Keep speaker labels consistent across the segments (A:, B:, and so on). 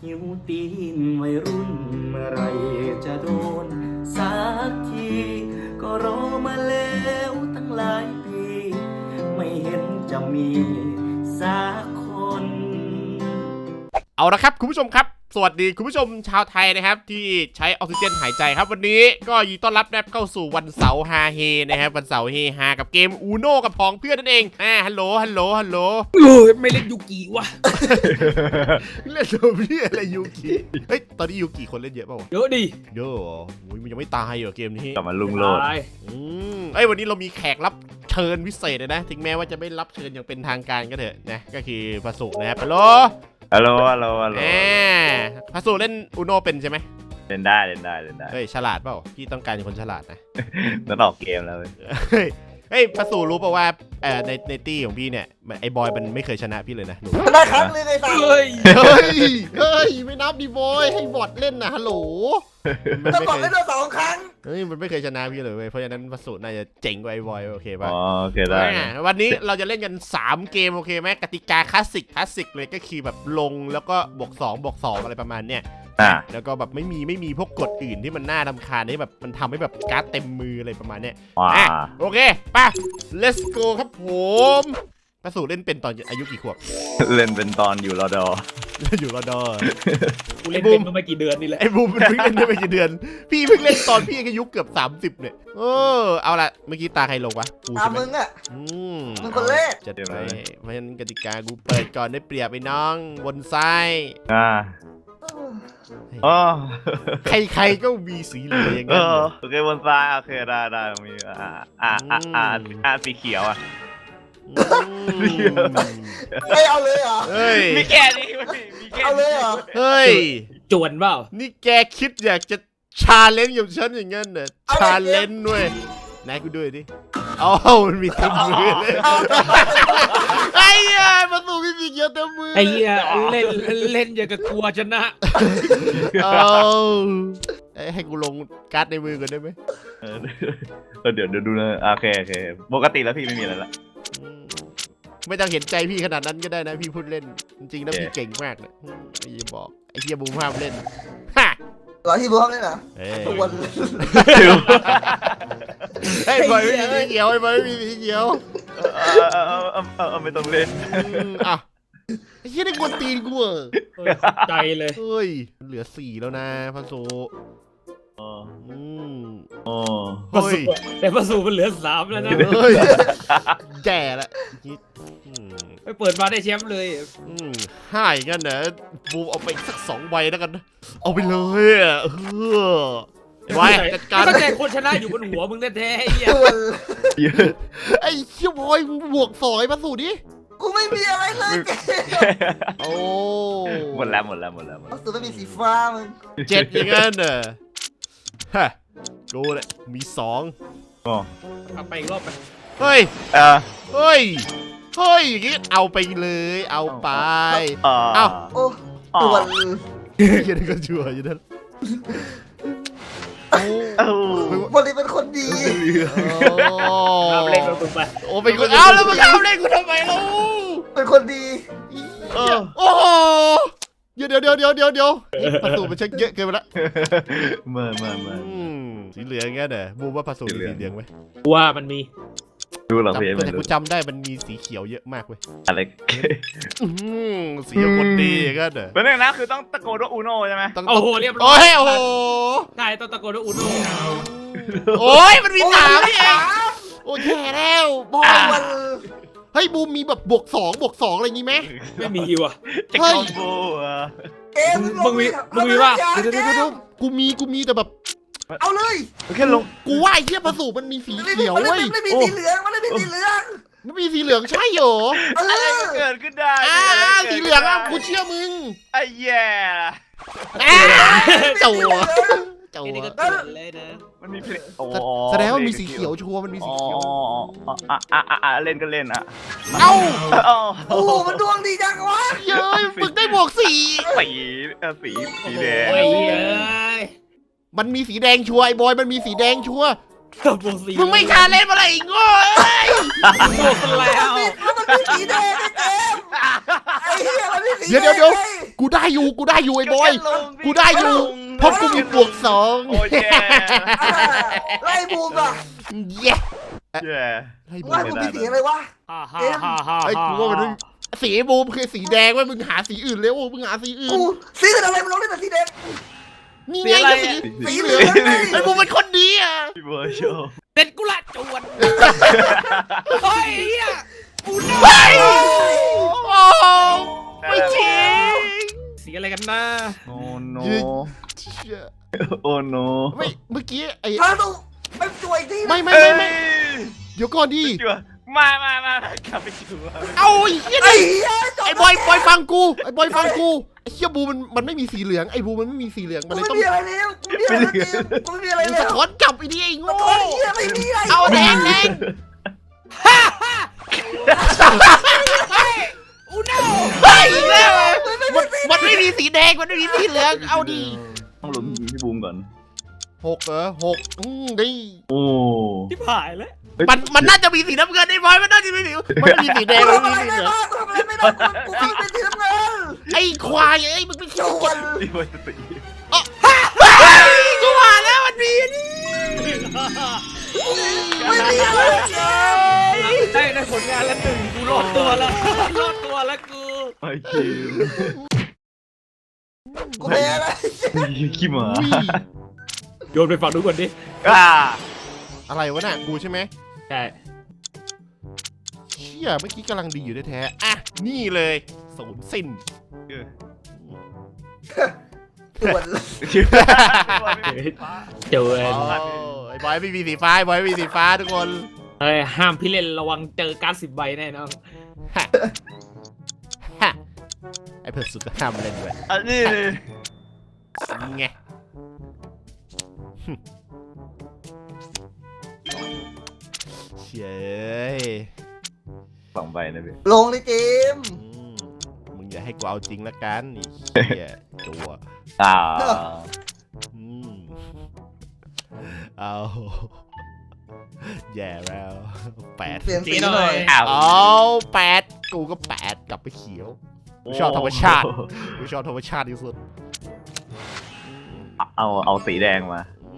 A: หิวตีนวัยรุ่นเมื่อไรจะโดนสักทีก็รอมาแล้วตั้งหลายปีไม่เห็นจะมีสักคน
B: เอาละครับคุณผู้ชมครับสวัสดีคุณผู้ชมชาวไทยนะครับที่ใช้ออกซิเจนหายใจครับวันนี้ก็ยินดีต้อนรับนะครับเข้าสู่วันเสาร์ฮาเฮนะครับวันเสาร์เฮฮากับเกมอูโน่กับพ้องเพื่อนนั่นเองฮัลโหล
C: ไม่เล่นยูกิวะ
B: เล่นตัวพี่อะไรยูกิเฮ้ยตอนนี้ยูกิคนเล่นเยอะเปล่าวะ
C: เยอะดิ
B: เยอะเหรอมันยังไม่ตายเหรอเกมนี้
D: กลับมาลุงโลด
C: ตาย
B: วันนี้เรามีแขกรับเชิญพิเศษเลยนะถึงแม้ว่าจะไม่รับเชิญอย่างเป็นทางการก็เถอะนะก็คือพระสุนะครับฮัลโหล
D: ฮัลโหล
B: พระสุเล่นอูโน่เป็นใช่ไหม
D: เล่นได้
B: เฮ้ยฉลาดเปล่าพี่ต้องการคนฉลาดนะ
D: ต้องออกเกมแล้ว
B: เฮ้ยพระสูรู้ป่าวว่าในตี้ของพี่เนี่ยไอ้บอยมันไม่เคยชนะพี่เลยนะหนู
A: ชนะครั้งนึงไอ้สัส
C: เฮ้ย
B: เฮ้ยไม่นับดิบอยให้บอทเล่นนะฮัลโหล
A: ก็บอกได้เรา2 ครั้ง
B: เฮ้ยมันไม่เคยชนะพี่เลยเว้ยเพราะฉะนั้นพระสูน่าจะเจ๋งกว่าไอ้บอยโอเคป่ะ
D: อ๋อโอเคได้
B: วันนี้เราจะเล่นกัน3เกมโอเคไหมกติกาคลาสสิกเลยก็คือแบบลงแล้วก็บวก2อะไรประมาณเนี้ยแล้วก็แบบไม่มีพวกกฎอื่นที่มันน่ารำคาญที่แบบมันทำให้แบบการ์ดเต็มมืออะไรประมาณเนี้ยโอเคไป let's go ครับผมพระสูเล่นเป็นตอนอายุกี่ขวบ
D: เล่นเป็นตอนอยู่รอดอ
B: อยู่รอดอ
C: กูเล่นเป็นมาไม่กี่เดือนนี่แหละ
B: ไอ้บูมมันเพิ่งเล่นได้ไม่กี่เดือน พี่เพิ่งเล่นตอนพี่อายุเกือบ30เนี่ยเอาละเมื่อกี้ตาใครลงวะกู
A: ตาม
B: ใช่ไหม
A: มึงอ่ะ มึงคนแรก
B: จัดไปเพราะฉะนั้นกติกากูเปิดก่อนได้เปรียบไอ้น้องบนซ้าย
D: อ๋อ
B: ใครๆก็มีสีเหลืองอย่างนั้น
D: โอเคบนซ้ายโอเคได้มีสีเขียวอ่ะ
A: ไม่เอาเลยเหรอ
B: เฮ้ย
D: มีแค่นี้มีแค่
A: เอาเลยเหรอ
B: เฮ้ย
C: จวนเปล่า
B: นี่แกคิดอยากจะชาเลนจ์กับฉันอย่างงั้นเหรอชาเลนจ์ด้วยไหนกูด้วยดิมันมีเต็มมือเลยไอ้เหี้ยมาสู่มีสีเขียวเต็มมือ
C: ไอ้เหี้ยเล่นอย่างกับกลัวชนะ
B: ให้กูลงการ์ดในมือก่อนได้ไหม
D: เดี๋ยวดูนะโอเคปกติแล้วพี่ไม่มีอะไรละ
B: ไม่ต้องเห็นใจพี่ขนาดนั้นก็ได้นะพี่พูดเล่นจริงๆแล้วพี่เก่งมากเลยอย่าบอกไอ้เหี้ยบูมห้ามเล่นฮะ
A: เหรอที่บูมเลยนะทุกวัน
B: เฮ้ยบอยไม่มีสีเขียวไอ้บอยไม่มีสีเขียว
D: ไม่ต้องเล่น
B: อ่ะไอ้เหี้ยได้กวนตีนกูเหรอ
C: ใจเลย
B: เฮ้ยเหลือ4แล้วนะพันโซเฮ้ย
C: แต่ประสูมันเหลือ3แล้วนะ
B: เฮ้ยแย่ละ
C: ไปเปิดมาได้แชมป์เลย
B: ให้งั้นนะบูมเอาไปสัก2ใบแล้วกันนะเอาไปเลยอ่ะไว้จัดการ
C: ก็ใจคนชนะอยู่บนหัวมึงแท้ๆไอ้เหี้ย
B: ไอ้เชี่ยบอยบวก2ไอ้พันโซดิ
A: กูไม่มีอะไรเลยเจ๊
B: โอ้
D: หมดแล้ว
A: สุดไม่มีสีฟ้ามึง
B: 7อย่างงั้นน่ะฮะดูเลยมี2
C: เอาไปอีกรอบไป
B: เฮ้ยอย่างงี้เอาไปเลยเอาไป
A: โอ้ตัว
B: ยังก็ชัวร์อยู่นั่น
A: วันนี้เป็นคนดี
C: เอาเล่นกับมึงไป
B: โอ้เป็นคนเอาแล้วมึงเอาเล่นกูทำไมล่ะ
A: เป็นคนดี
B: โอ้โหเดี๋ยวประตูมันเช็คเยอะเกินไปละ
D: เมื่อ
B: สีเหลืองงั้นเหรอบูมว่าผสมสีเหลืองไหม
C: ว่ามันมี
D: ดูหรอพี่
B: แต่กูจำได้มันมีสีเขียวเยอะมากเว้ย
D: อะไร
B: สีคนดีงั้นเหรอ
D: เป็นอย่างนั้นคือต้องตะโกนว่าอูโน่ใช่ไหม
B: ต้อง
C: โอ้โหเรียบร้อย
B: โอ้โห
C: ใช่ต้องตะโกนว่าอุโน่
B: โอ้ยมันมี3นี่เองโอ้ยแย่แล้วบอยเฮ้ยบูมมีแบบบวก2อะไรงี้ไหม
C: ไม่มีว่ะ
D: จะคอมโบอ่ะ
A: เกม
C: มึงมีว่า
B: เดี๋ยวกูมีแต่แบบ
A: เอาเลย
D: แค่ลง
B: กูว่าไอ้เหี้ยผสมมันมีสีเขียวเว้ย
A: ไม่มีสีเหลืองมันไม่มีสีเหลือง
B: มันมีสีเหลืองใช่เหรอ
D: อะไรก็เกิดขึ้นได้
B: สีเหลืองอ่ะกูเชื่อมึง
D: ไอ้แย่
B: จั่ว
C: ไอ้นี่ก็เกิดเลยนะ
D: มันมีเพลง
B: แสดงว่ามีสีเขียวชัวร์มันมีสีเขียว
D: เล่นก็เล่นอ่ะ
B: เอ้า
A: โอ้โหมันดวงดีจังวะ
B: เย้ยมึงได้บวก4
D: สีแดง
C: โอ้ยเอ้ย
B: มันมีสีแดงชัวร์ไอ้บอยมันมีสีแดงชัวร์
C: บวกสี่
B: มึงไม่ชาเล่นมาเลยอีกโง่เอ้ย
C: บวกกันแล้ว
E: มันมีสีแดงไอ้เจมส์ไอ้เหี้ยมันมีสี
B: เดี๋ยว
E: แดง
B: เดี๋ยวกูได้อยู่ไอ้บอย กูได้อยู่เพราะกูมีบวกสอง
D: โอ้ยแย่
E: ไล่บูมอ่ะ
B: เย้
D: แย่
B: ไอ้บู
E: ว่าม กูมีสีอะไรวะ
C: ฮ่าฮ่าฮ่าฮ่า
B: ไอ้กูว่ามันสีบูมคือสีแดงเว้ยมึงหาสีอื่นเร็วมึงหาสีอื่น
E: กูสีอะไรมันลงได้แต่สีแดง
B: นี่ไงก็สี
E: สีเหลืองไง
B: ไอ้บูมเป็นคนดีอ่ะ
D: พี่เบิร์ดโชว์
C: เด็ดกูละจวนเฮ้ยเฮียอูโน่
B: เฮ้ยโอ้ไม่จริง
C: สีอะไรกันนะ
D: โอ้โน
B: เชี่ย
D: โอ้โน
B: ไม่เมื่อกี้ไอ้
E: พาดูไปจ่วยที่
B: ไม่เดี๋ยวก่อนดิ
D: จั่วมากลับไปจั่ว
B: เอาไอ้เหี้ย
E: ไอ้
B: ดิ
E: เหี้ย
B: ไอ้บอยฟังกูไอ้บอยฟังกูไอ้เชี่ยบูมันไม่มีสีเหลืองไอ้บูมันไม่มีสีเหลืองมัน
E: กู
B: เลย
E: ไม่
B: ต้อง
E: มีอะไรแล้วกูไม่มีอะไรแล้วกูไม่มีอะไร
B: มึง
E: แล้
B: สะ
E: ว
B: ท้อนกลับไอ้นี่ไอ้โง่
E: โอ้ยเหี้ยไม่มีอะไร
B: เอาแดง
C: อูโน่
B: เฮ้ยอีกแล้วอะมันไม่มีสีแดงมันไม่มีสีเหลืองเอาดิ
D: ต้องลุ้นพี่บูมก่อน
B: 6เหรอ6ดิ
D: โอ้
C: ที่ผายแล้ว
B: มันน่าจะมีสีน้ำเงินไอ้บอยมันน่าจะมีสีมันไม่มีสีแดง
E: กู
B: มัน
E: ทำ
B: ไม่
E: อะไร
B: มีสี
E: ไม่
B: เหลือง
E: ได้กูทำอะไรไม่ได้กูเป็นสีน้ำเงิน
B: ไอ้ควายไอ้มึงเป็น
E: จวน
D: พี่เบิร์ดตี
B: กูว่าแล้วมันมีนี่
E: ไม่มีอะไรเจมส์
C: ได้ผลงานละหนึ่งกูรอดตัวแล้วกู
D: ไอ้คิว
E: กูแพ้อะไร
D: ขี้หมา
B: อุ้ย
C: โยนไปฝั่งนู้นก่อนดิ
B: อะไรวะน่ะกูใช่ไหม
C: ใช่
B: เชี่ยเมื่อกี้กำลังดีอยู่แท้ๆอ่ะนี่เลยศูนย์สิ้น
E: จวน
C: เจอ
B: อ๋อไอ้บอยไม่มีสีฟ้าไอ้บอยไม่มีสีฟ้าทุกคน
C: เฮ้ยห้ามพี่เล่นระวังเจอการ10 ใบแน่นอน
B: ฮะฮะไอ้เพื่อนสุดก็ห้ามเล่นด้วย
D: อันนี้
B: ไงเชย
D: 2 ใบนะพี่
E: ลงเลยเจมส์
B: มึงอย่าให้กูเอาจริงละกันไอ้เหี้ยจัว อืมเอาแย่แล้ว8
E: เปลี่ยนสีหน่อย
B: เอา8กูก็8กลับไปเขียวกูชอบธรรมชาติกูชอบธรรมชาติที่สุด
D: เอาสีแดงมา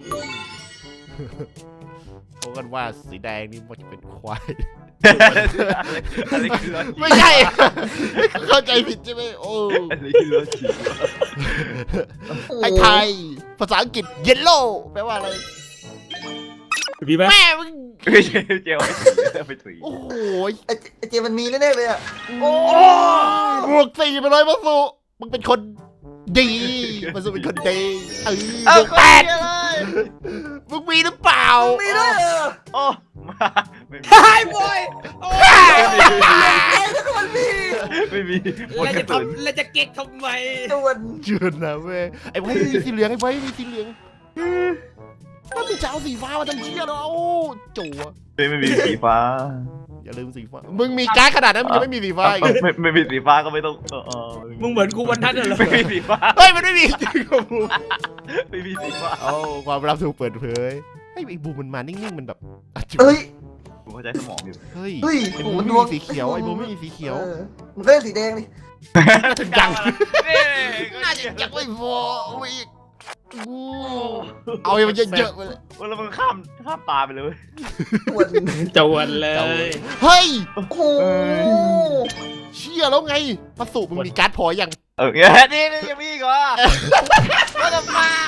B: เขากันว่าสีแดงนี่มันจะเป็นควาย
D: อันนี้คือรถ
B: ไม่ใช่ เข้าใจผิดใช่ไหมโอ้
D: อันนี้คือรถฉีด
B: ไอ้ไทยภาษาอังกฤษ yellow แปลว่าอะไร
C: มีไหม
B: แม่มึง
D: ไม่ใช่เจลไปถุย
B: โอ้โห
E: ไอ้เจมส์มันมีแน่ๆเลยอ่ะ
B: โอ้บวก4ไปเลยมาสุมึงเป็นคนดีมาสุเป็นคนดีบวก8มึงมีหรือเปล่า
E: มีด้วยเหรอ
D: โอ้มาไม่มี
C: ไอ้บอย
E: ไอ้แล้วก็มันมี
D: ไม่มี
C: แล้วจะเก๊กทำไม
E: จวน
B: เจือนนะเว้ยไอ้ไว้มีสีเหลืองไอ้ไว้มีสีเหลืองมันมีจะเอาสีฟ้ามาทำเชี่ยแล้วจั่ว
D: ไม่มีสีฟ้า
B: อย่าลืมสีฟ้ามึงมีการ์ดขนาดนั้นมึงยังไม่มีสีฟ้าอีก
D: ไม่มีสีฟ้าก็ไม่ต้อง
C: มึงเหมือนกูวันนั้นเหรอ
D: ไม่มีสีฟ้า
B: เฮ้ยมันไม่มีจริงกับบูม
D: ไม่มีสีฟ้า
B: เอาความลับถูกเปิดเผยไอ้บูมมันมานิ่งๆมันแบบอ่ะจุ๊บ
E: เอ้ย
D: ผมเข้าใจสมองอยู่
B: เฮ้ย
E: เฮ้ย
B: ไอ้บูม
E: โอ้
B: ไม่
E: โห
B: มีสีเขียวไอ้บูมไม่มีสีเขียว
E: มันก็เล่นสีแดงดิ
B: น่าจะยัง
D: นี่
B: น่าจะยังไม่พอเอาอีกเอาให้มันเยอะๆไปเลย
D: แล้วมึงข้ามตาไปเลย
E: จวน
C: จวนเลย
B: เฮ้ย
E: โอ้โห
B: เชี่ยแล้วไงมาสูบมึงมีการ์ดพอยัง
D: นี่ยังมีอีกเหรอว่าจะมาก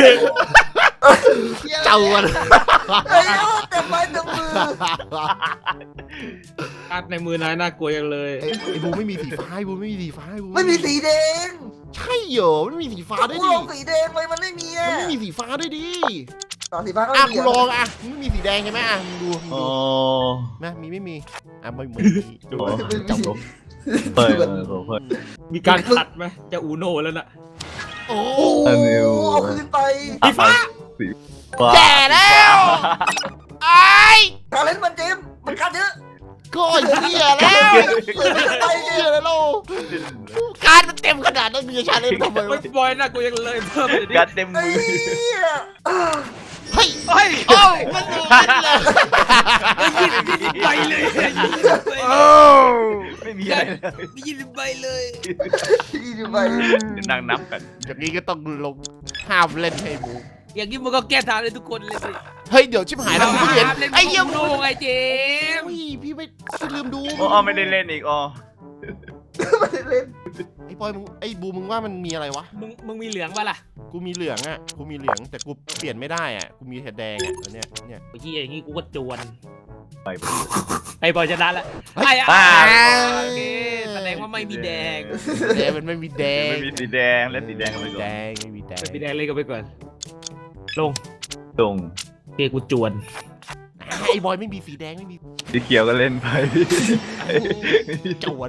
B: เจ้าวัน
E: ไอ้ยเต็มไม้เต็มมือ
C: การ์ดในมือนายน่ากลัวยังเลย
B: ไอ้บูไม่มีสีฟ้าไอ้บูไม่มีสีฟ้าไอ้บู
E: ไม่มีสีแดง
B: ใช่เหรอไม่มีสีฟ้าด้วย
E: กู
B: ดิ
E: ลองสีแดงไปมันไม่มี
B: มั
E: อ่ะ
B: นไม่มีสีฟ้าด้วยดิ
E: ต่อสีฟ้าก็
B: อ่ะ
E: ไม่มี
B: กูลองอ่ะมึงไม่มีสีแดงใช่ไหมอ่ะมึงดู
D: โอ้
B: นะไม่มีอ่ะไม่มี
D: จับลงเปิด
C: มีการขัดไหมจะอูโน่แล้วน่ะ
B: โอ้
D: อันนี้
E: เอาคืนไป
C: สีฟ้า
B: แย่แล้วไอ้
E: การเล่นมันเจมมันกัดเยอะ
B: ก็เหี้ยแล้วเหี้ยแล้วการมันเต็มขนาดนั้นมีชาเลนจ์ทำไม
C: ไม่
B: วะ
C: บอยน่ากลัวยังเลยเพิ่มเลยดิ
D: กัดเต็ม
E: ไอ้
D: มือ
E: เหี้ย
B: เฮ้ย
C: เฮ้ย
B: โอ้มันโดนเลย
C: 20 ใบเลย
B: โอ้
D: ไม่มีอะไรเลย
C: 20 ใบเลย
E: ที่ดูไป
D: นั่งนับกัน
B: อย่างนี้ก็ต้องลงห้ามเล่นให้บู
C: อย่างนี้มึงก็แก้ทางเลยทุกคนเลยสิ
B: เฮ้ยเดี๋ยวชิบหายแล้วกูเห็น
C: เล่น
B: ไอ้เหี้ย
C: โนไงเจม
B: อุ้ยพี่ไม่ลืมดู
D: อ๋อไม่ได้เล่นอีกอ๋อ
E: ไม่ได้เล่น
B: ไอ้บอยมึงไอ้บูมึงว่ามันมีอะไรวะ
C: มึงมีเหลืองป่ะล่ะ
B: กูมีเหลืองอ่ะกูมีเหลืองแต่กูเปลี่ยนไม่ได้อ่ะกูมีแต่แดงอ่ะแล้วเนี่ย
C: ไอ้ที่อย่างนี้กูก็จวน
D: ไป
C: ไอ้บอยชนะละไอ้โอเคแสดงว่าไม่มีแดง
B: แดงมันไม่มีแดง
D: ไม่มีสีแดงเล่นสีแดงกันไปก่อน
B: แดงไม่มีแดง
C: ไม่มีแดงเลยก็ไปก่อนลง
D: ตรง
C: เกกูจวน
B: ไอ้บอยไม่มีสีแดงไม่มี
D: สีเขียวก็เล่นไป
B: จวน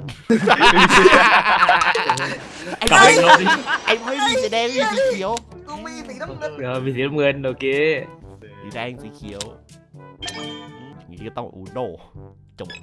C: กลับไปลงดิ
B: ไอ้บอยไม่มีสีแดงไม่มีสีเขียว
E: กูมีสีน้ำเงิน
C: เดี๋ยวมีสีน้ำเงินโอเค
B: สีแดงสีเขียวอย่างนี้ก็ต้องอูโน่จบ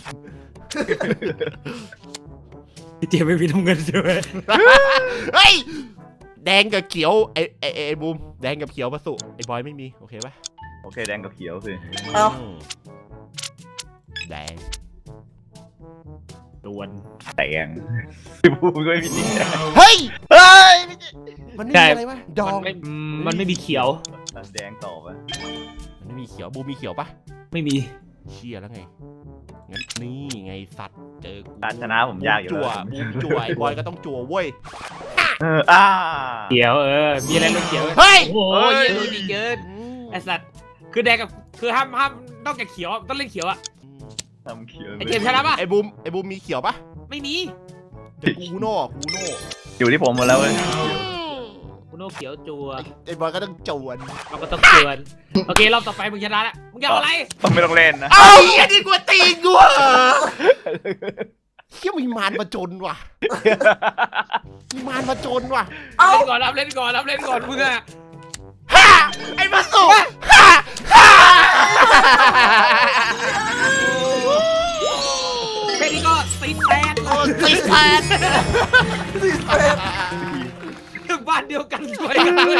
C: พี่เจมไม่มีน้ำเงินใช่ไหม
B: เฮ้ยแดงกับเขียวไอ้บูมแดงกับเขียวผสมไอ้บอยไม่มีโอเคปะ
D: โอเคแดงกับเขียวสิ
E: เอา
B: แดง
C: จวน
D: แดงพี่บูมก็ไม่มีสีแดง
B: เฮ้ย
D: เฮ้ย
B: มันไม่มีอะไรวะดอง
C: มันไม่มีเขียว
D: แดงต่อไป
B: มันไม่มีเขียวบูมมีเขียวปะ
C: ไม่มี
B: เชี่ยแล้วไงงั้นนี่ไงสัตว์เจอกู
D: การชนะผมยากอยู่
B: จั่ว
D: แล้ว
B: บูมจั่วไอ้บอยก็ต้องจั่วเว้ย
C: เขียวมีอะไรลงเขียว
B: เฮ้ย
C: โอ้ยเยอะดีเกินไอสัตว์คือแดงกับคือห้ามนอกจากเขียวต้องเล่นเขียวอะ
D: ทำเขียว
C: ไอเจมชนะปะ
B: ไอ้บูมมีเขียวปะ
C: ไม่มี
B: เดี๋ยวกูโน่
D: อยู่ที่ผมหมดแล้วเว้ย
C: คุณโนเขียวจัว
B: ไอ้บอยก็ต้องจวน
C: เราก็ต้องจวนโอเครอบต่อไปมึงชนะแล้วมึงจะเอาอะไร
D: ไม่ต้องเล่นนะ
B: เอ้าไอ้นี่กูตีกูเหรอเฮียมีมารมาจนว่ะมีมารมาจนว่ะ
E: เอา
C: เล่นก่อนรับเล่นก่อนรับเล่นก่อนมึงอะ
B: ฮ่าไอ้มาสุฮ่าฮ่า
C: แค่นี้ก็ตีแตน
B: โอ้ตีแทน
E: สีแดง
C: ถึงบ้านเดียวกันด้วยกันเลย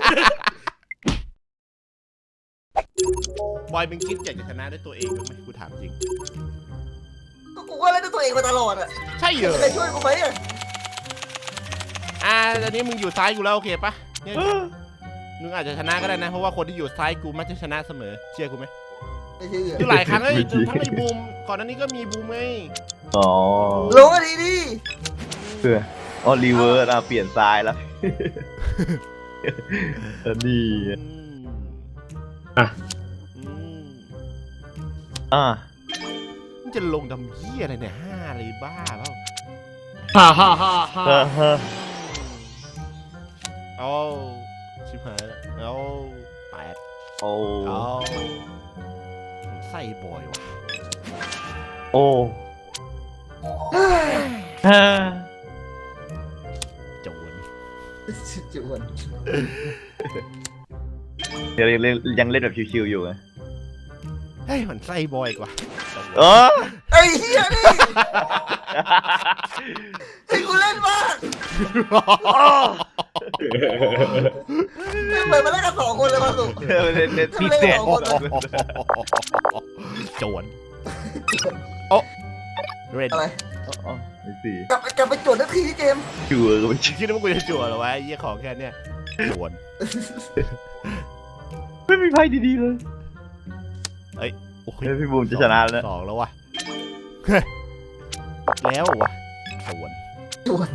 B: บอยมึงคิดอยากจะชนะด้วยตัวเองบ้างไหมกูถามจริง
E: กูก็เล่นด้วยตัวเองมาตลอดอ่ะ
B: ใช่เหรอ
E: ใครช่วยกูไหมอ่ะ
B: ตอนนี้มึงอยู่ซ้ายกูแล้วโอเคปะเนี่ยมึงอาจจะชนะก็ได้นะเพราะว่าคนที่อยู่ซ้ายกูมักจะชนะเสมอเชื่อกูไหม
E: ไม่เชื่อ
B: คือหลายครั้งเลยทั้งไอ้บูมก่อนหน้านี้ก็มีบูมไง
D: อ๋อ
E: ลงอันนี้ดิ
D: อ๋อรีเวิร์สเปลี่ยนซ้ายแล้วนี่
B: อืม มึงจะลงดำเหี้ยอะไรเนี่ย5อะไรบ้าเปล่า
C: ฮ่าฮ่าฮ่าฮ่า
B: เอาชิบหายแล้วเอา8
D: โอ้
B: เอาใส่บอยว่ะ
D: โอ้
B: โจน
E: จวน
D: ยังเล่นแบบชิวๆอยู่ไง
B: เฮ้ยมันใส่บอยกว่า
D: เออ
E: ไอ้เหี้ยนี่ให้กูเล่นบ้างเหมือนมาเล่นกัน2 คนเลยมาสุ
D: เล่นพี่เสีย
B: โจนโอ้เรน
E: อะไร
D: ไม่สิ
E: กลับไปจดนาทีที่เกม
D: ชัวร์ก็ไม่ชัวร์
B: คิดว่ากูจะจั่วเหรอวะไอ้เหี้ยของแค่เนี้ยโจน
D: ไม่มีไพ่ดีๆเลย
B: โอ้ย
D: พี่บูมจะชนะแล้ว
B: 2แล้วว่ะแล้วว่ะโจน
E: จวน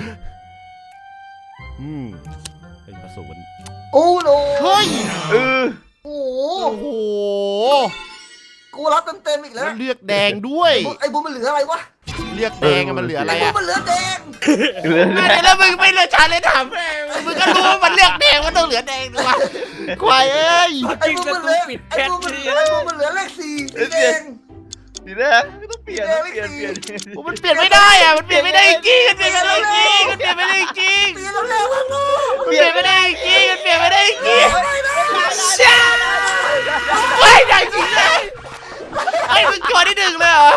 B: เป็นผสม
E: โอ้โห
B: เฮ้ย
D: เออ
E: โอ้โห
B: โอ้โห
E: กูรับเต็มๆอีกแล้
B: แล้ว วเลือกแดงด้วย
E: ไอ้บูมมันเหลืออะไรวะ
B: เลือกแดงอะมันเหลืออะไร
E: ไอ้บูม
B: อะ
E: มันเหลือแดง
B: แล้วมึงไม่เลือกชาเลยถามมึงก็รู้ว่ามันเลือกแดงมันต้องเหลือแดงด้วยวะควายเอ้ย
E: ไอ้บูมมันเหลือเลข4สีแดง
D: สีแดงไม่ต้องเปลี่ยน
B: มันเปลี่ยนไม่ได้อะมันเปลี่ยนไม่ได้จริงมันเปลี่ยนไม่ได้จริงมันเปลี่ยนไม่ได้จริง
E: เปลี่ยนแล้วแล้วมัน
B: มันเปลี่ยนไม่ได้จริงมันเปลี่ยนไม่ได้จริงช่าไม่ได้จริงเลยไอ้มึงจวดได้1เลยเหรอ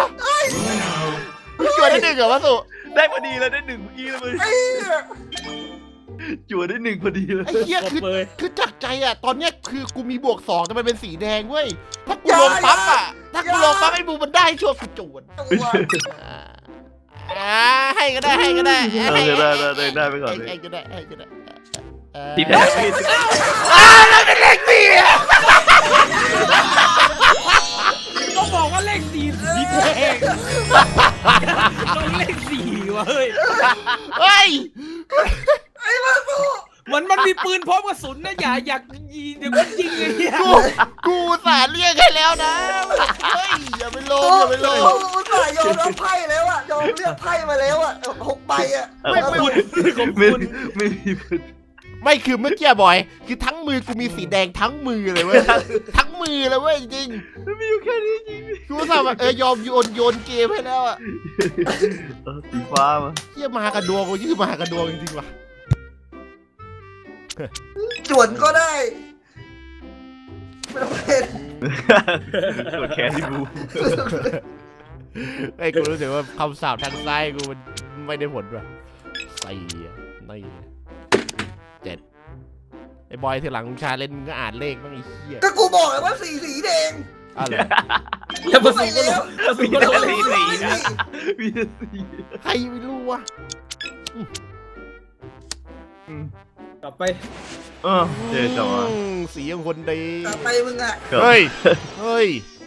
B: มึงจวดได้1เหรอวะสุ
D: ได้พอดีแล้วได้1เมื่อกี้เลยมึง
E: ไอ้
D: จั่วได้หนึ่งพอดีเลย
B: ไอ้เหี้ย
C: จบเลย
B: คือจากใจอ่ะตอนเนี้ยคือกูมีบวก2แต่มันเป็นสีแดงเว้ยถ้ากูลงปั๊บอ่ะถ้ากูลงปั๊บไอ้บูมันได้ช่วงกูจวน
E: ตัว
B: ให้ก็ได้ให้ก็ได้
D: ได้ไปก่อนเลย
B: ให้ก็ได้ให้ก็ได้
D: ที่แท้ไม่
B: เราเป็นเลขสี่
C: ก็บอกว่าเลขสี่สีแดงต้องเลขสี่วะเฮ้ย
B: เฮ้ย
C: เหมือนมันมีปืนพร้อมกระสุนนะอย่ายิงเดี๋ยวมันยิงเลยเนี่ย
B: กูสาเรียกให้แล้วนะเฮ้ยอย่าไปลงอย่าไปลง
E: เขาอุตส่าห์ยอมรับไพ่แล้วอะยอมเลือกไพ่มาแล้วอะ6 ใบอะ
B: ไม่
D: ไม่มีปืน
B: ไม่คือเมื่อกี้บอยคือทั้งมือกูมีสีแดงทั้งมือเลยเว้ยทั้งมือเลยเว้ยจริง
D: มีอยู่แค่นี้จริง
B: กูสาแบบยอมโยนเกมให้แล้วอ่ะ
D: สีฟ้ามา
B: เฮียมากระดวงกูชื่อมากระดวงจริงๆว่ะ
E: จวนก็ได้ไม่ต้องเป็น
D: กดแขนที่บู
B: ไอ้กูรู้สึกว่าคำสาปทางซ้ายกูมันไม่ได้ผลว่ะ4นี่7ไอ้บอยทีหลังชาเล่นมึงก็อ่านเลขบ้างไอ้เหี้ย
E: ก็กูบอกเลยว่าสีแดง
B: อะไร
C: อย่าผส
E: ไป
C: มกัน
E: แล้ว
C: ผสมกันเลย
D: มีแต่สี
B: ใครไม่รู้วะ
C: กลับไป
D: เจ๊จังวะ
B: สีของคนดี
E: กลับไปมึงอะ
B: เฮ้ยเฮ้ย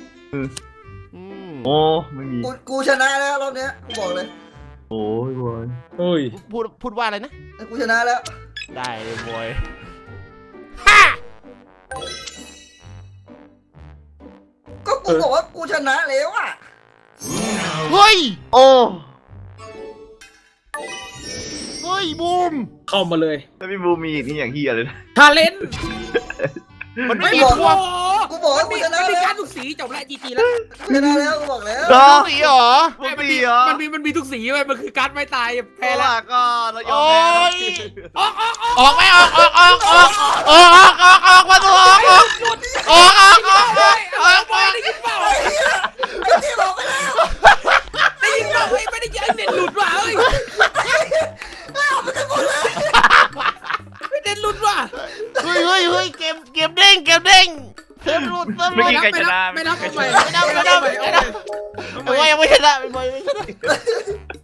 D: โอ้ไม่มี
E: กูชนะแล้วรอบเนี้ยกูบอกเลย
D: โอ้ยบอย
C: เฮ้ย
B: พูดว่าอะไรนะ
E: กูชนะแล้ว
B: ได้เลยบอย
E: ก็กูบอกว่ากูชนะแล้วอะ
B: เฮ้ย
D: โอ้
B: เฮ้ยบูม
C: เข้ามาเลย
D: แล้วพี่บูมีอีกนี่อย่างเฮียเลยนะ
C: ทาเลน
B: มันไม่
C: ไม่
B: มี
C: บอก
B: พวก
E: กูบอกว่า
C: มี
E: กูชนะ
C: มี
E: แล้
C: กาว รทุกสีจบแล้วจีจีแล้ว
E: กูชนะแล้วกูบอกแล้ว
B: สีเหรอ
D: ปกติเหรอ
C: มันมีทุกสีเว้ยมันคือการไม่ตายแพ้
D: แพ้
C: แล้ว
D: ละก็เรายอม
B: โอ้
D: แพ้
B: ย
C: ออก
B: ออกไหมออกมาดูออก
C: ได้ยินเปล่า
E: ไอ้ที่บอกไปแล้ว
C: ได้ยินเปล่าเฮ้ยไม่ได้ยินเน็ตหลุดว่ะเฮ้ยไม่เน็ตหลุดว่ะ
B: เฮ้ยเกมเด้งเทมรูด
D: ไม่มีใครชนะ
C: ไม่นับเอาใหม่
B: ไม่ได้ยังไม่ชนะไม่ชนะ